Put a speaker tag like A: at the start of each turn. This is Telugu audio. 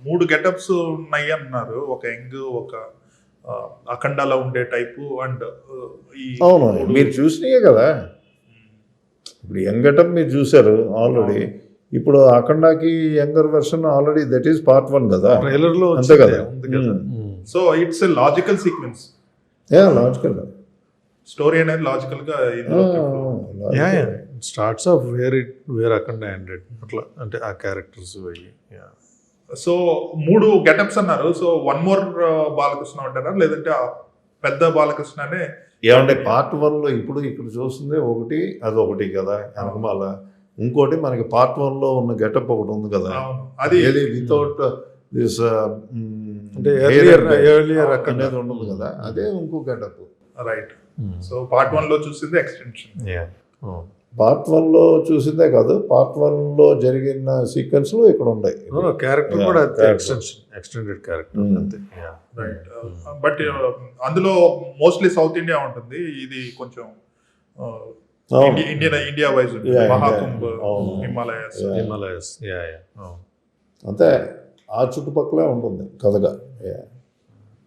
A: 3 గెటప్స్ ఉన్నాయి అన్నారు. ఒక యంగ్, ఒక అఖండాలో ఉండే టైపు అండ్ ఈ
B: అవును మీరు చూసినాయే కదా. ఇప్పుడు యంగ్ గెటప్ మీరు చూసారు ఆల్రెడీ. ఇప్పుడు అఖండాకి younger version already that is part 1 కదా,
C: ట్రైలర్లో
B: అంతే కదా.
A: So it's a logical sequence.
B: Logical
A: story అనేది లాజికల్ గా
C: starts off where Akhanda ended అట్లా, అంటే ఆ క్యారెక్టర్స్ అయ్యి.
A: సో 3 గెటప్స్ అన్నారు. సో 1 మోర్ బాలకృష్ణ అంటారా, లేదంటే ఆ పెద్ద బాలకృష్ణనే?
B: ఏమంటే పార్ట్ 1లో ఇప్పుడు ఇక్కడ చూస్తుంది ఒకటి, అదొకటి కదా వెనకమాల. ఇంకోటి మనకి పార్ట్ 1లో ఉన్న గెటప్ ఒకటి ఉంది కదా,
A: అది
B: ఏది వితౌట్ దిస్
C: ఎర్లియర్
B: అనేది ఉండదు కదా, అదే ఇంకో గెటప్.
A: రైట్. సో పార్ట్ 1లో చూసింది ఎక్స్టెన్షన్.
B: పార్ట్ 1లో చూసిందే కాదు, పార్ట్ 1లో జరిగిన సీక్వెన్స్లు ఇక్కడ ఉన్నాయి.
C: క్యారెక్టర్ కూడా ఎక్స్టెండెడ్ క్యారెక్టర్ అంతే.
A: రైట్. బట్ అందులో మోస్ట్లీ సౌత్ ఇండియా ఉంటుంది, ఇది కొంచెం ఇండియా వైజ్ మహాకుంభ్, హిమాలయస్.
B: అంతే ఆ చుట్టుపక్కలే ఉంటుంది కథగా.